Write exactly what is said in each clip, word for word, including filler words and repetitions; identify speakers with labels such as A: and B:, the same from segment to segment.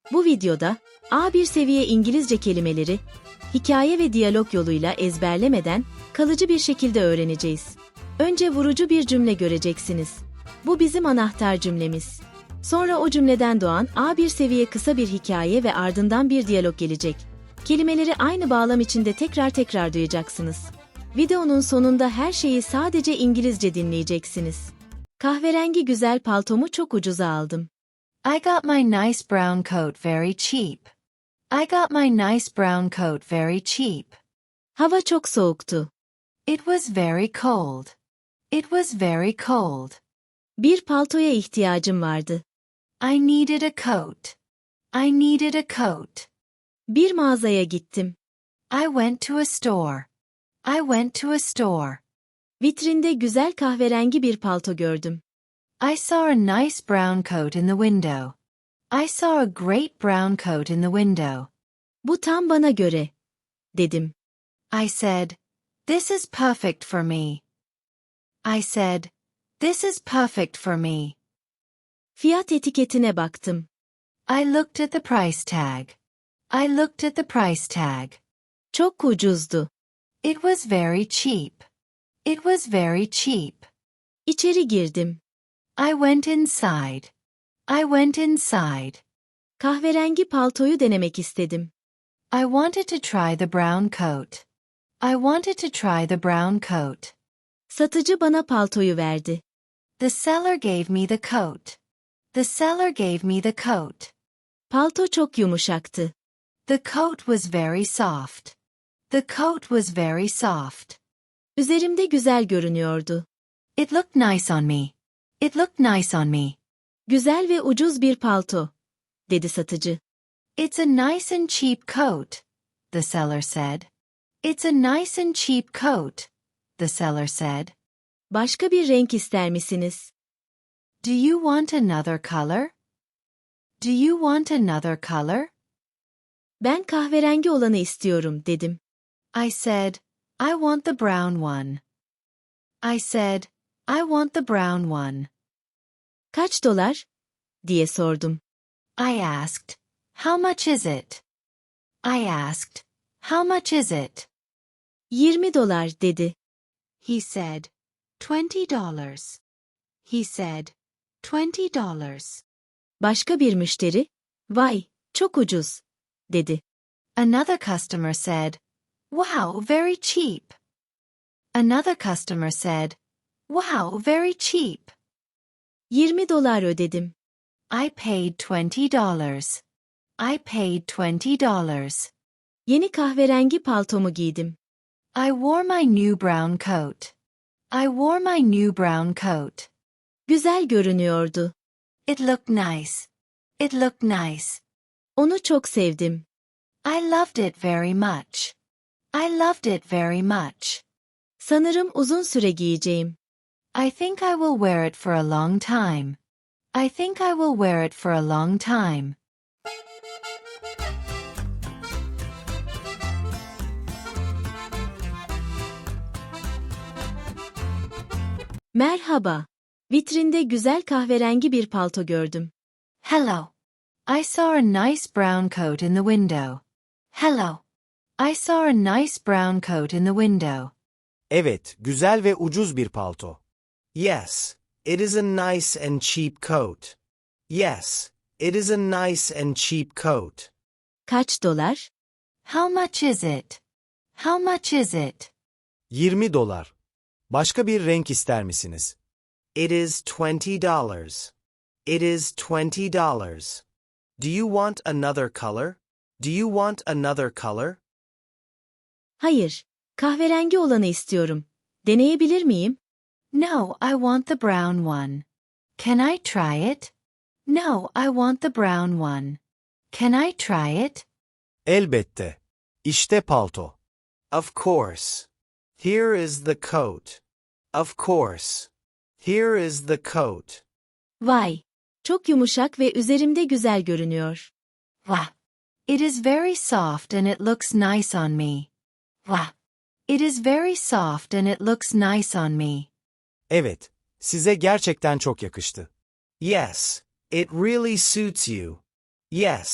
A: Bu videoda A bir seviye İngilizce kelimeleri, hikaye ve diyalog yoluyla ezberlemeden kalıcı bir şekilde öğreneceğiz. Önce vurucu bir cümle göreceksiniz. Bu bizim anahtar cümlemiz. Sonra o cümleden doğan A bir seviye kısa bir hikaye ve ardından bir diyalog gelecek. Kelimeleri aynı bağlam içinde tekrar tekrar duyacaksınız. Videonun sonunda her şeyi sadece İngilizce dinleyeceksiniz. Kahverengi güzel paltomu çok ucuza aldım.
B: I got my nice brown coat very cheap. I got my nice brown coat very cheap.
A: Hava çok soğuktu.
B: It was very cold. It was very cold.
A: Bir paltoya ihtiyacım vardı.
B: I needed a coat. I needed a coat.
A: Bir mağazaya gittim.
B: I went to a store. I went to a store.
A: Vitrinde güzel kahverengi bir palto gördüm.
B: I saw a nice brown coat in the window. I saw a great brown coat in the window.
A: Bu tam bana göre, dedim.
B: I said, "This is perfect for me." I said, "This is perfect for me."
A: Fiyat etiketine baktım.
B: I looked at the price tag. I looked at the price tag.
A: Çok ucuzdu.
B: It was very cheap. It was very cheap.
A: İçeri girdim.
B: I went inside. I went inside.
A: Kahverengi paltoyu denemek istedim.
B: I wanted to try the brown coat. I wanted to try the brown coat.
A: Satıcı bana paltoyu verdi.
B: The seller gave me the coat. The seller gave me the coat.
A: Palto çok yumuşaktı.
B: The coat was very soft. The coat was very soft.
A: Üzerimde güzel görünüyordu.
B: It looked nice on me. It looked nice on me.
A: Güzel ve ucuz bir palto, dedi satıcı.
B: It's a nice and cheap coat, the seller said. It's a nice and cheap coat, the seller said.
A: Başka bir renk ister misiniz?
B: Do you want another color? Do you want another color?
A: Ben kahverengi olanı istiyorum, dedim.
B: I said, I want the brown one. I said, I want the brown one.
A: Kaç dolar? diye sordum.
B: I asked, how much is it? I asked, how much is it?
A: yirmi dolar, dedi.
B: He said, twenty dollars. He said, twenty dollars.
A: Başka bir müşteri, vay, çok ucuz, dedi.
B: Another customer said, wow, very cheap. Another customer said, wow, very cheap.
A: yirmi dolar ödedim.
B: I paid twenty dollars. I paid twenty dollars.
A: Yeni kahverengi paltomu giydim.
B: I wore my new brown coat. I wore my new brown coat.
A: Güzel görünüyordu.
B: It looked nice. It looked nice.
A: Onu çok sevdim.
B: I loved it very much. I loved it very much.
A: Sanırım uzun süre giyeceğim.
B: I think I will wear it for a long time. I think I will wear it for a long time.
A: Merhaba. Vitrinde güzel kahverengi bir palto gördüm.
B: Hello. I saw a nice brown coat in the window. Hello. I saw a nice brown coat in the window.
C: Evet, güzel ve ucuz bir palto. Yes, it is a nice and cheap coat. Yes, it is a nice and cheap coat.
A: Kaç dolar?
B: How much is it? How much is it?
C: yirmi dolar. Başka bir renk ister misiniz?
D: It is twenty dollars. It is twenty dollars.
C: Do you want another color?
D: Do you want another color?
A: Hayır, kahverengi olanı istiyorum. Deneyebilir miyim?
B: No, I want the brown one. Can I try it? No, I want the brown one. Can I try it?
C: Elbette. İşte palto.
D: Of course. Here is the coat. Of course. Here is the coat.
A: Vay, çok yumuşak ve üzerimde güzel görünüyor.
B: Wow. It is very soft and it looks nice on me. Wow. It is very soft and it looks nice on me.
C: Evet, size gerçekten çok yakıştı.
D: Yes, it really suits you. Yes,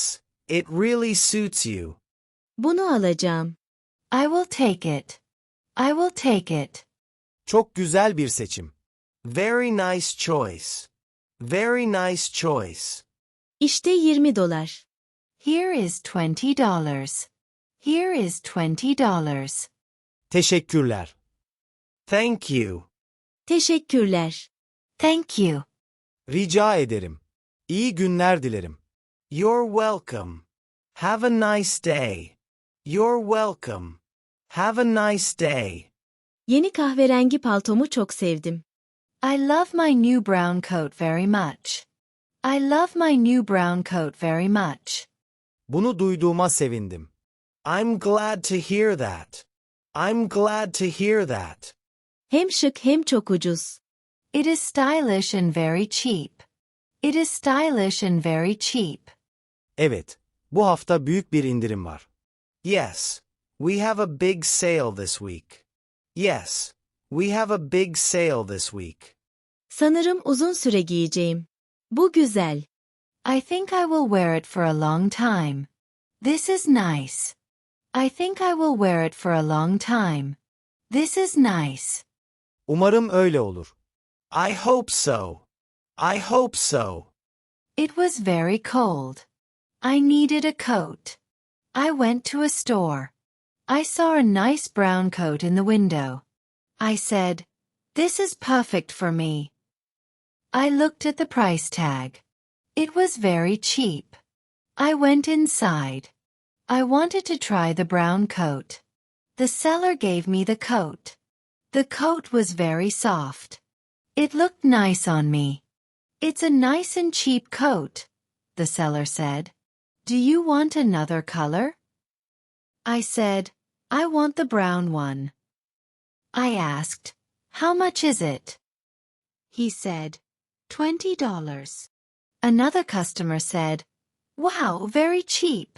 C: It really suits you.
A: Bunu alacağım.
B: I will take it. I will take it.
C: Çok güzel bir seçim. Very nice choice. Very nice choice.
A: İşte yirmi dolar.
B: Here is twenty dollars. Here is twenty dollars.
C: Teşekkürler.
D: Thank you.
A: Teşekkürler.
B: Thank you.
C: Rica ederim. İyi günler dilerim.
D: You're welcome. Have a nice day. You're welcome. Have a nice day.
A: Yeni kahverengi paltomu çok sevdim.
B: I love my new brown coat very much. I love my new brown coat very much.
C: Bunu duyduğuma sevindim.
D: I'm glad to hear that. I'm glad to hear that.
A: Hem şık hem çok ucuz.
B: It is stylish and very cheap. It is stylish and very cheap.
C: Evet, bu hafta büyük bir indirim var.
D: Yes, we have a big sale this week. Yes, we have a big sale this week.
A: Sanırım uzun süre giyeceğim. Bu güzel.
B: I think I will wear it for a long time. This is nice. I think I will wear it for a long time. This is nice.
C: Umarım öyle olur.
D: I hope so. I hope so.
B: It was very cold. I needed a coat. I went to a store. I saw a nice brown coat in the window. I said, "This is perfect for me." I looked at the price tag. It was very cheap. I went inside. I wanted to try the brown coat. The seller gave me the coat. The coat was very soft. It looked nice on me. It's a nice and cheap coat, the seller said. Do you want another color? I said, I want the brown one. I asked, how much is it? He said, twenty dollars. Another customer said, wow, very cheap.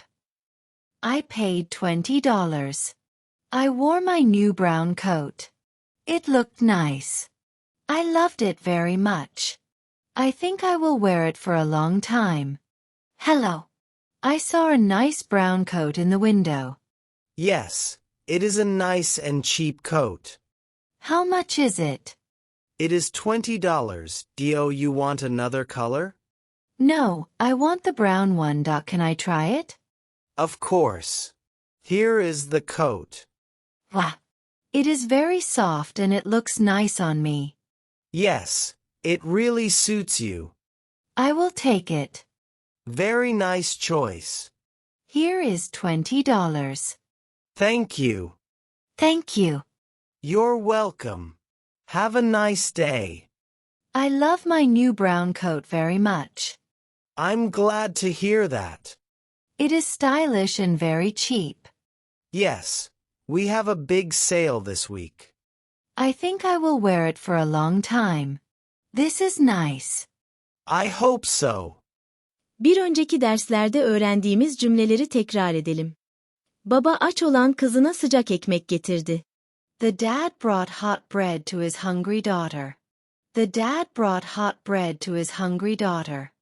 B: I paid twenty dollars. I wore my new brown coat. It looked nice. I loved it very much. I think I will wear it for a long time. Hello. I saw a nice brown coat in the window.
D: Yes, it is a nice and cheap coat.
B: How much is it?
D: It is twenty dollars. Do you want another color?
B: No, I want the brown one. Can I try it?
D: Of course. Here is the coat.
B: Wow. It is very soft and it looks nice on me.
D: Yes, it really suits you.
B: I will take it.
D: Very nice choice.
B: Here is twenty dollars.
D: Thank you.
B: Thank you.
D: You're welcome. Have a nice day.
B: I love my new brown coat very much.
D: I'm glad to hear that.
B: It is stylish and very cheap.
D: Yes, we have a big sale this week.
B: I think I will wear it for a long time. This is nice.
D: I hope so.
A: Bir önceki derslerde öğrendiğimiz cümleleri tekrar edelim. Baba aç olan kızına sıcak ekmek getirdi.
B: The dad brought hot bread to his hungry daughter. The dad brought hot bread to his hungry daughter.